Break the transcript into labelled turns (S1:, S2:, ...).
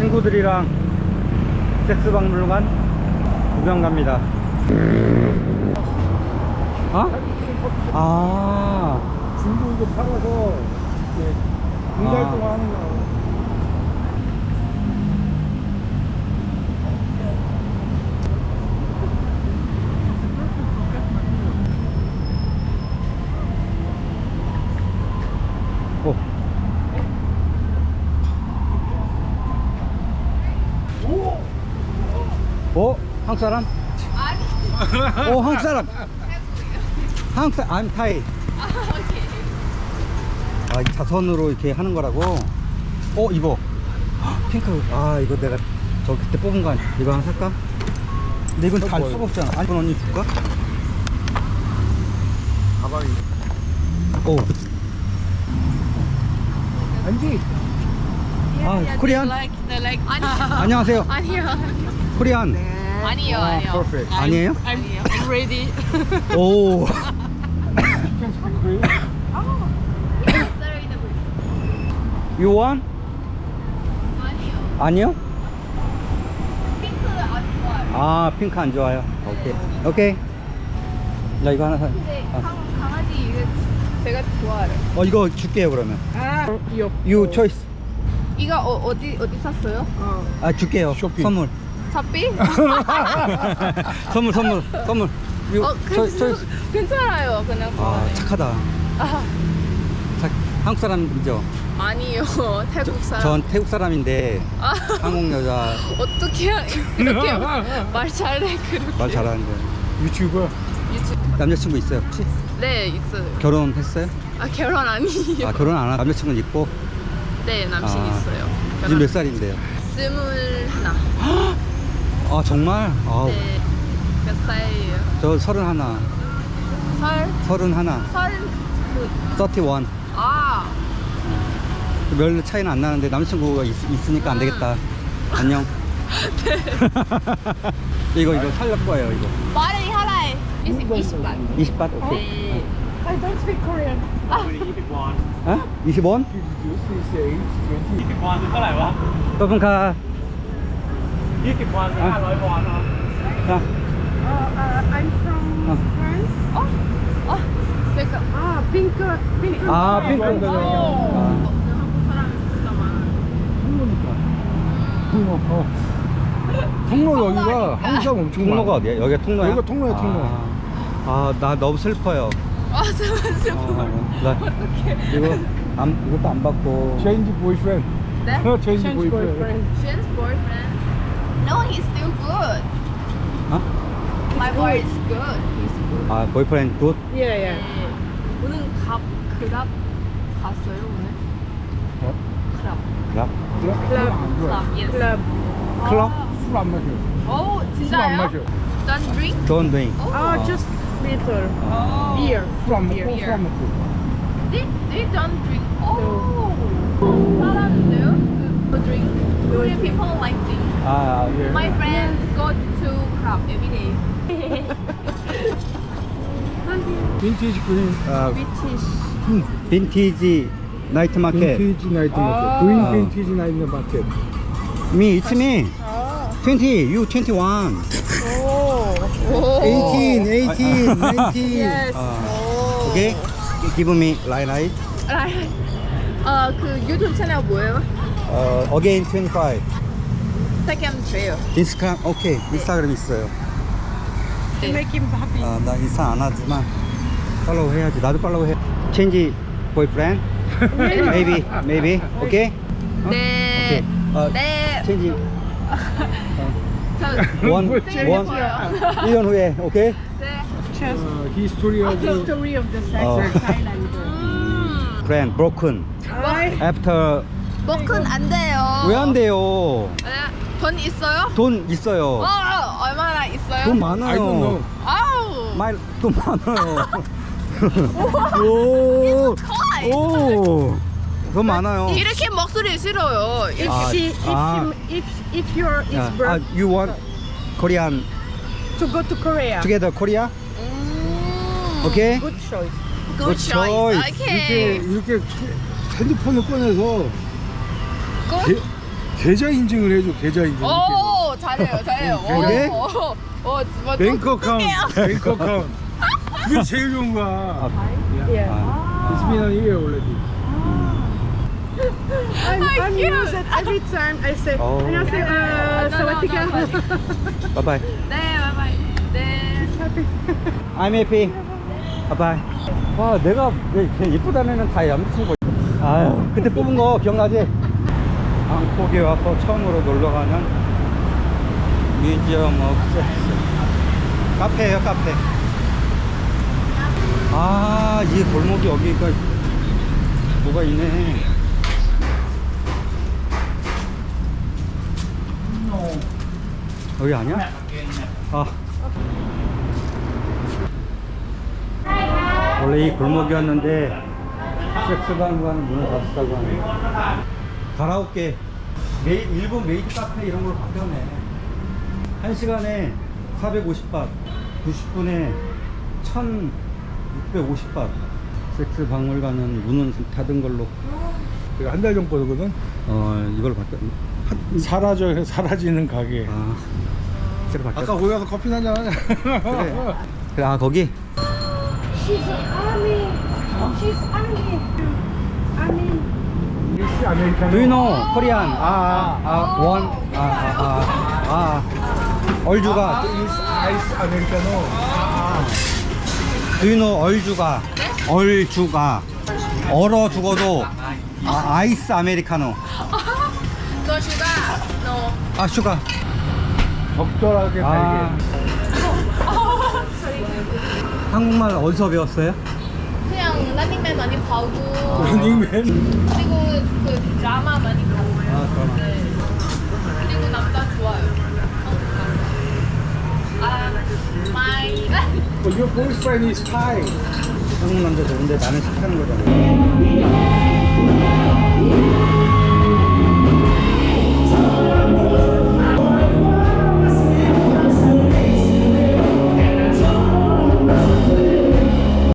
S1: 친구들이랑 섹스박물관 구경 갑니다. 어? 아,
S2: 중고 이거 팔아서 봉사활동 하는 거.
S1: 한국 사람? 오, 한국 사람. 한국 사람, I'm Thai. 아, 이 자선으로 이렇게 하는 거라고. 이거 핑크. 아, 이거 내가 저 그때 뽑은 거 아니야? 이거 하나 살까? 근데 이건 달 수가 없잖아. 아니, 이건 언니 줄까?
S2: 가방이.
S1: 오,
S2: 안지.
S1: 코리안. 안녕하세요. 코리안.
S3: 아니요.
S2: Perfect.
S1: 아니에요?
S3: I'm ready.
S1: 오. You want? 아니요.
S3: 핑크 안 좋아요.
S1: 아, 핑크 안 좋아요. 오케이. 나 이거 하나 사.
S3: 근데 강아지 이거 제가 좋아해요.
S1: 이거 줄게요 그러면.
S2: 이거.
S1: You choice.
S3: 이거 어디 샀어요?
S1: 아, 줄게요.
S2: 쇼핑.
S1: 선물.
S3: 샵비?
S1: 선물. You choice.
S3: 괜찮아요. 그냥
S1: 아,
S3: 좋아해요.
S1: 착하다. 한국 사람이죠?
S3: 아니요. 태국 사람.
S1: 전 태국 사람인데
S3: 아.
S1: 한국 여자
S3: 어떻게 이렇게 말 잘해 그렇게.
S1: 말 잘하는데.
S2: 유튜버.
S3: 유튜브.
S1: 남자친구 있어요 혹시?
S3: 네 있어요.
S1: 결혼했어요?
S3: 결혼 아니에요.
S1: 아, 결혼 안 하고 남자친구는 있고?
S3: 네 남친
S1: 아.
S3: 있어요.
S1: 지금 몇 살인데요?
S3: 21.
S1: 아, 정말? 아우.
S3: 네. 몇 살이에요?
S1: 저 31.
S3: 그
S1: 31.
S3: 아.
S1: 별 차이는 안 나는데 남자친구가 있으니까 안 되겠다. 안녕. 이거 살릴 거예요 이거.
S3: 말이 하나에 20만.
S1: 20바? 오케이.
S3: 네.
S2: I don't speak Korean.
S1: 어? 20원?
S2: This is age 20.
S4: 20 วอนคือเท่าไหร่วะ
S1: 떠분카.
S4: 20 วอนคือ500 วอนเนาะ
S1: 자.
S5: I'm from France.
S3: 제가
S5: Pink.
S1: 아, 핑크.
S3: 한국 사람이 진짜 많아요.
S2: 통로 여기가 한국 사람 엄청 많아.
S1: 통로가 어디야? 여기가 통로야?
S2: 여기가 통로야, 통로.
S1: 나 너무 슬퍼요.
S3: 잠깐만요.
S1: 나 이것도 안 받고.
S2: Change boyfriend.
S3: 네?
S2: Change boyfriend.
S3: Shane's boyfriend. No, he's still good.
S1: 어?
S3: My boy is good. He's good.
S1: 아, 보이프렌드 굿?
S5: Yeah.
S3: 네. 오늘 그랍 갔어요 오늘?
S2: 어?
S3: 그랍.
S1: 랍?
S3: 그랍. Yes.
S5: Club.
S1: 클럽?
S2: 술안 마셔.
S3: 오
S2: 술 안
S3: 진짜요?
S2: 마셔.
S3: Don't drink?
S1: Don't drink.
S5: Just little.
S3: Oh.
S5: Beer.
S2: 술 안 먹고
S3: Beer.
S2: 술 안 먹고.
S3: They don't drink. Oh. 잘하는데요? The drink. Korean people like drink.
S1: 아, 예.
S3: My friends go to club every day.
S2: 빈티지 그린.
S1: 빈티지 나이트 마켓.
S2: 빈티지 나이트 마켓. 그린 빈티지 나이트 마켓.
S1: Me, it's me. 20, you 21.
S3: Oh.
S1: 18, 19.
S5: Yes.
S1: Okay? Give me light.
S3: 그 유튜브 채널 뭐예요?
S1: Again 25.
S3: 인스타그램 줘요.
S1: 인스타그램, 오케이. 인스타그램 있어요.
S5: Make him happy.
S1: 나 인스타 안 하지만 팔로우 해야지. 나도 팔로우 해. Change boyfriend? Maybe. Okay?
S3: 네.
S1: 오케이.
S3: 네.
S1: Change.
S3: 저
S1: 원. 1년 후에. 오케이?
S3: 네.
S2: History of the
S5: History of the sex
S1: Oh.
S5: in Thailand.
S1: Friend broken. After.
S3: 먹은 안 돼요.
S1: 왜 안 돼요?
S3: 네. 돈 있어요?
S1: 돈 있어요.
S3: 얼마나 있어요?
S1: 돈
S2: I don't know.
S1: 많아요.
S3: 아우.
S1: 돈 많아요. 오. 오. 돈 많아요.
S3: 이렇게 목소리 싫어요.
S5: If you're is birth
S1: You want Korean
S5: to go to Korea.
S1: together Korea? Okay?
S5: Good choice.
S3: Good choice.
S1: choice.
S3: 오케이.
S2: 이렇게 핸드폰을 꺼내서
S3: Good.
S2: 계좌 인증을 해줘. 계좌 인증.
S3: 오, 잘해요, 잘해요.
S1: 그래?
S3: 뭐
S2: 뱅크 어카운트. 뱅크 어카운트. 그게 제일 좋은 거야.
S5: Yeah.
S2: It's been a year already.
S5: I'm used it every time I say,
S1: Oh.
S5: 안녕하세요. 사와디카.
S1: 바이바이.
S3: 네, 바이바이. 네.
S1: I'm happy. 바이바이. 와, 내가 걔 이쁘다는 애는 다 얌친 거. 아유, 그때 뽑은 거 기억나지? 방콕에 와서 처음으로 놀러 가는 뮤지엄 오브 섹스. 카페예요, 카페. 아, 이 골목이 여기가 뭐가 있네. 여기 아니야? 아. 원래 이 골목이었는데 섹스방과는 문을 닫았다고 하네. 가라오케, 일본 메이드 카페 이런 걸로 바뀌었네. 1시간에 450바, 90분에 1650바. 섹스 박물관은 문은 닫은 걸로.
S2: 내가 한 달 전 거거든.
S1: 이걸로 바뀌었.
S2: 사라지는 가게.
S1: 아, 새로 바뀌었.
S2: 아까 거기 가서 커피 한잔 하자.
S1: 그래. 그래, 아 거기.
S5: She's army. She's army. Army.
S2: 미스 아메리카노.
S1: Do you know Korean? 원. 얼주가.
S2: 아이스 아메리카노.
S1: Do you know 얼주가? 얼주가. 얼어 죽어도 아이스 아메리카노.
S3: No sugar. No.
S1: 아, 슈가.
S2: 적절하게
S1: 아.
S2: 달게.
S1: 한국말 어디서 배웠어요?
S3: 그냥 런닝맨 많이 보고
S2: 런닝맨.
S3: 그리고 그 드라마 많이 보고.
S1: 드라마.
S3: 네. 그리고 남자 좋아요. my.
S2: Your boyfriend is Thai.
S1: 한국 남자 좋은데 나는 싫다는 거잖아.